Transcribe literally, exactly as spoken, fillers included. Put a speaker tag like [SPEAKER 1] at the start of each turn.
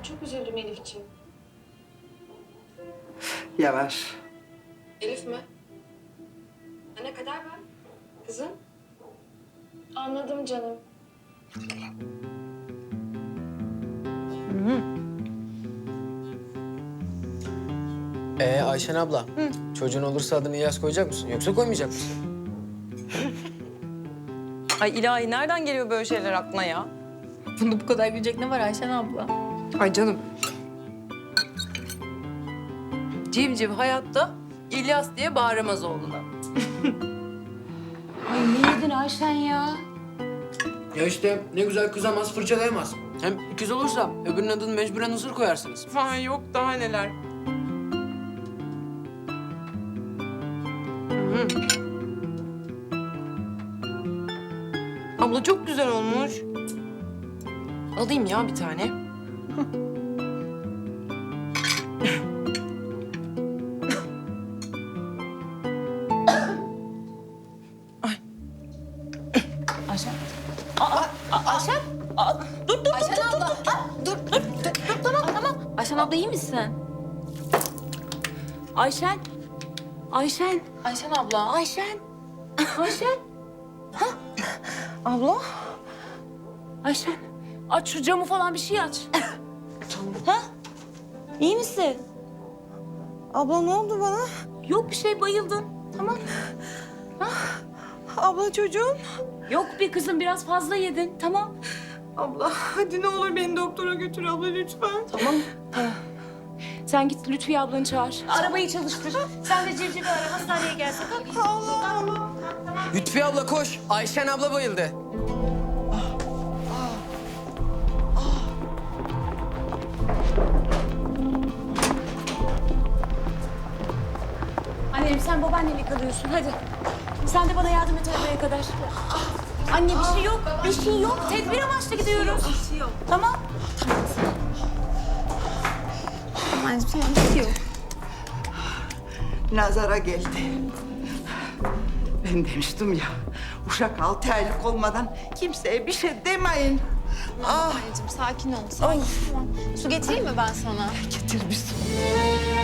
[SPEAKER 1] çok üzüldüm Elif'ciğim.
[SPEAKER 2] Yavaş.
[SPEAKER 1] Elif mi? Anne kadar ver. Kızım. Anladım canım.
[SPEAKER 3] Ee Ayşen abla, çocuğun olursa adını İlyas koyacak mısın yoksa koymayacak mısın?
[SPEAKER 4] Ay ilahi nereden geliyor böyle şeyler aklına ya?
[SPEAKER 5] Bunda bu kadar gülecek ne var Ayşen abla?
[SPEAKER 4] Ay canım. Civciv hayatta İlyas diye bağıramaz oğluna.
[SPEAKER 5] Ay ne yedin Ayşen ya?
[SPEAKER 3] Ya işte ne güzel kızamaz, fırçalayamaz. Hem ikiz olursa öbürünün adını mecburen Hızır koyarsınız.
[SPEAKER 4] Falan yok daha neler. Hı. Abla çok güzel olmuş. Alayım ya bir tane.
[SPEAKER 5] Ayşen. Aa, Ayşen. Aa, dur dur Ayşen dur, abla. Dur, dur, dur, dur, dur, dur, tamam tamam. Ayşen abla iyi misin? Ayşen. Ayşen. Ayşen abla. Ayşen. Ayşen. Ha? Abla. Ayşen. Aç şu camı falan bir şey aç. Ha? İyi misin?
[SPEAKER 4] Abla ne oldu bana?
[SPEAKER 5] Yok bir şey bayıldın. Tamam.
[SPEAKER 4] Abla çocuğum.
[SPEAKER 5] Yok bir kızım biraz fazla yedin. Tamam.
[SPEAKER 4] Abla hadi ne olur beni doktora götür abla lütfen.
[SPEAKER 5] Tamam. Tamam. Sen git Lütfiye ablanı çağır. Arabayı çalıştır. Sen de Civciv'i ara hastaneye gelsin.
[SPEAKER 4] Allah Allah.
[SPEAKER 3] Lütfi abla koş, Ayşen abla bayıldı.
[SPEAKER 5] Annem sen babaannenle kalıyorsun hadi. Sen de bana yardım et arabaya kadar. Anne bir şey yok. Bir şey yok. Tedbir amaçlı gidiyoruz. Bir şey yok. Tamam. Tamam anneciğim bir şey yok.
[SPEAKER 2] Nazara geldi. Ben demiştim ya, uşak altı aylık olmadan kimseye bir şey demeyin. Ah,
[SPEAKER 6] Anneciğim sakin ol. Sakin. Tamam. Su getireyim mi ben sana?
[SPEAKER 2] getir bir su.